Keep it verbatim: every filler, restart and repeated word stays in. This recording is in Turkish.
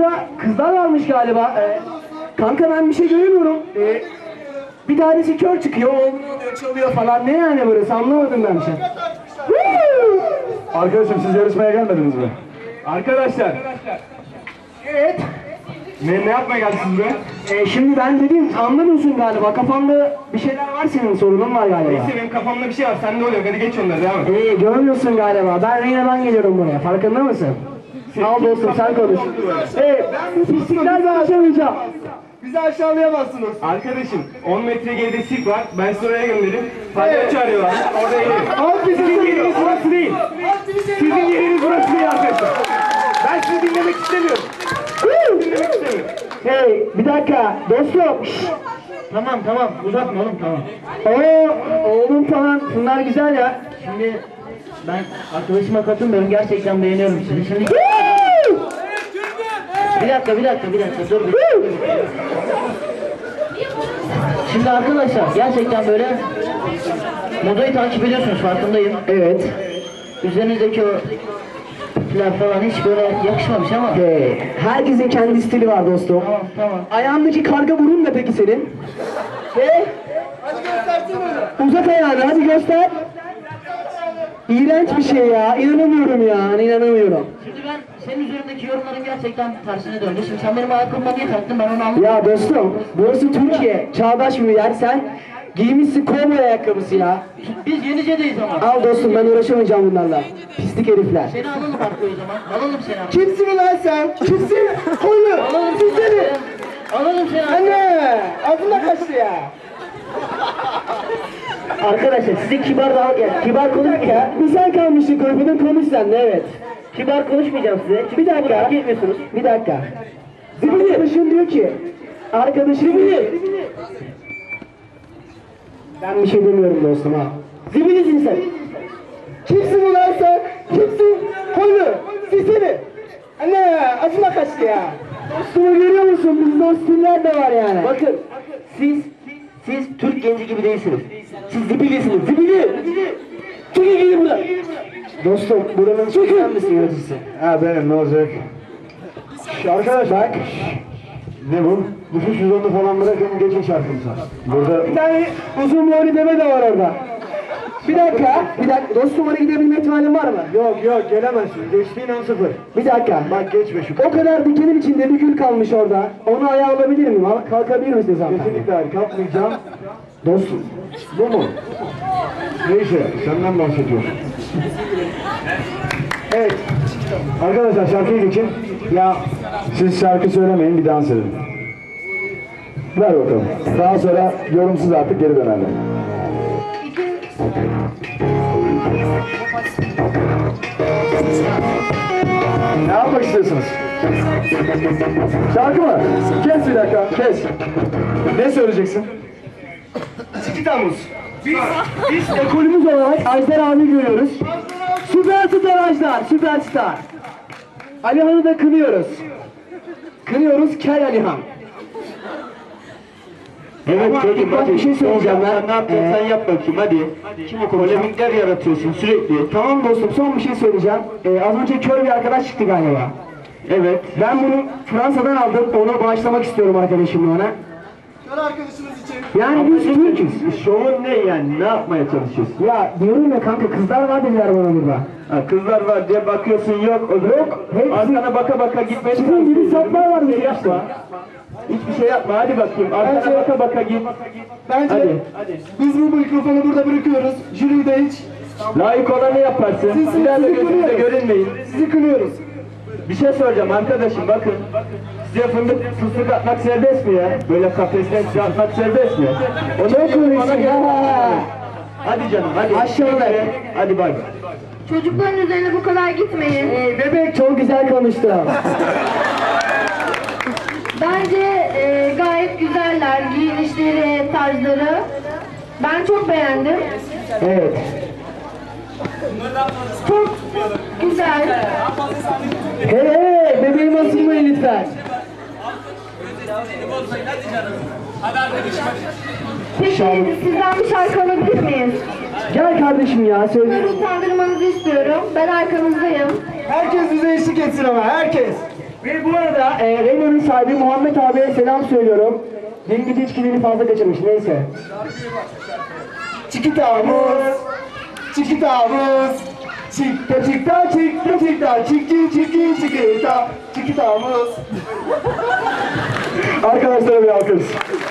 burada kızlar varmış galiba. Ee, kanka ben bir şey göremiyorum. Ee, bir tanesi kör çıkıyor, oğlunu alıyor, çalıyor falan. Ne yani burası? Anlamadım ben bir şey. Arkadaşım siz yarışmaya gelmediniz mi? Arkadaşlar. Evet. Ne, ne yapmaya geldiniz buraya? Ee, şimdi ben dedim, anlamıyorsun galiba. Kafanda bir şeyler var senin, sorunun var galiba. Neyse benim kafamda bir şey var. Sende oluyor. Hadi geç onları. Devam et. Ee, görmüyorsun galiba. Ben Reyna'dan geliyorum buraya. Farkında mısın? Al dostum sen konuş. Ee, ben bu pisliklerle aşamayacağım. Bizi aşağılayamazsınız. Arkadaşım on metre geride sirk var. Ben sizi oraya gönderirim. Palyaço arıyorlar. Orada eğlenin. Abi sizin yeriniz burası değil. Sizin yeriniz burası değil arkadaşlar. Ben sizi dinlemek istemiyorum. dinlemek istemiyorum. Hey bir dakika dostum. Şşş. Tamam tamam uzatma oğlum tamam. Oo, oğlum falan bunlar güzel ya. Şimdi ben arkadaşıma katılmıyorum, gerçekten beğeniyorum sizi. Şimdi bir dakika bir dakika bir dakika dur bir. Şimdi arkadaşlar gerçekten böyle modayı takip ediyorsunuz, farkındayım. Evet. Üzerinizdeki o tipler falan hiç böyle yakışmamış ama. Hey, herkesin kendi stili var dostum. Tamam tamam. Ayağındaki karga burun ne peki senin? Hey. Hadi göstersene. Uzat ayağını hadi göster. İğrenç bir şey ya. İnanamıyorum ya. İnanamıyorum. Şimdi ben senin üzerindeki yorumların gerçekten tersine döndü. Şimdi sen benim ayakkabıma niye taktın, ben onu anlamadım. Ya dostum burası Türkiye. Çağdaş bir yer. Sen giymişsin kovboy ayakkabısı ya. Biz Yenice'deyiz ama. Al dostum ben uğraşamayacağım bunlarla. Pislik herifler. Seni alalım arkaya o zaman. Alalım seni arkaya. Kimsin ulan sen? Kimsin? Koyun. Alalım Siz seni. Alalım seni arkaya. Anne. Ağzına kaçtı ya. Arkadaşlar size kibar daha yani kibar konuş Ya bir sen kalmışsın korkudun konuş sen de evet. kibar konuşmayacağım size. Çünkü Bir dakika. hak etmiyorsunuz. Bir dakika. Arkadaşın diyor ki. Arkadaşın diyor. Ben bir şey demiyorum dostum ha. Zibilisin sen. Kimsin ulan sen? Kimsin? Koylu. Sisini. Anne acıma kaçtı ya. Dostumu görüyor musun? Bizde o stiller de var yani. Bakın siz siz Türk genci gibi değilsiniz. Siz zibilisiniz. Zibili. Çıkın gidin buradan. Dostum buranın sen misin yöneticisi? Ha benim ne olacak? Şş, arkadaş bak. Ne bu? Nüfus cüzdanını falan bırakın geçin şarkımıza. Burada Bir tane uzun boylu deve de var orada. Bir dakika, bir dakika. Dostum oraya gidebilme ihtimalin var mı? yok yok gelemezsin. Geçtiğin an sıfır. Bir dakika. Bak geçme şu. O kadar dikenin içinde bir gül kalmış orada. Onu ayağa alabilir miyim? Al- Kalkabilir misiniz hanımefendi? Kesinlikle hayır. Kalkmayacağım. Dostum. Bu mu? Neyse senden bahsediyorum. Evet. Arkadaşlar şarkıyı geçin. Ya Siz şarkı söylemeyin bir dans edin. Ver bakalım. Daha sonra yorumsuz artık geri dönerler. Ne yapmak istiyorsunuz? Şarkı mı? Kes bir dakika, kes. Ne söyleyeceksin? iki Temmuz. Biz, biz ekolümüz olarak Ajdar abi görüyoruz. Süperstar Ajdar, süperstar. Alihan'ı da kınıyoruz. Kınıyoruz Kel Alihan. Evet Ama çocuğum bak hadi. bir şey söyleyeceğim ben. Sen ne yapıyorsun Ee, yap bakayım hadi. Kim o konuşan? Polemikler yaratıyorsun sürekli. Tamam dostum son bir şey söyleyeceğim. Ee, az önce kör bir arkadaş çıktı galiba. Evet. Ben bunu Fransa'dan aldım. Onu bağışlamak istiyorum arkadaşımla ona. Kör arkadaşınız için. Yani biz Türk'üz. Şovun ne yani? Ne yapmaya çalışıyorsun? Ya diyorum ya kanka kızlar var dediler bana burada. Ha, kızlar var diye bakıyorsun yok. O da Yok, hepsi- arkana baka baka gitmeye Sizin gibi saplar var bir yapma. Hiçbir şey yapma hadi bakayım. Arkana Bence- baka baka git. Bence Hadi. biz bu mikrofonu burada bırakıyoruz. Jüriyi de hiç. Layık olanı yaparsın. Siz- Bir daha da sizi gözünüzde kınıyoruz. görünmeyin. Sizi kınıyoruz. Bir şey soracağım arkadaşım bakın. Size fındık fıstık atmak serbest mi ya? Böyle kafesten size atmak serbest mi? O ne konuşuyorsun ya? Hadi canım hadi. Aşağıda. Hadi bay. Çocukların üzerine bu kadar gitmeyin. Ee, bebek çok güzel konuştu. Bence e, gayet güzeller giyinişleri, tarzları. Ben çok beğendim. Evet. Çok güzel. Hey hey bebeğim asılmayın lütfen. Peki sizden bir şarkı alabilir miyiz? Gel kardeşim ya söyle. Bunları utandırmanızı istiyorum. Ben arkanızdayım. Herkes bize eşlik etsin ama herkes. Ve bu arada e, Reynolds'un sahibi Muhammed abiye selam söylüyorum. Dün gece içkilerini fazla kaçırmış, neyse. Çikitamız, çikitamız, çikta çikta çikta çikta, çikin çikin çikita, çikitamız. Arkadaşlara bir alkış.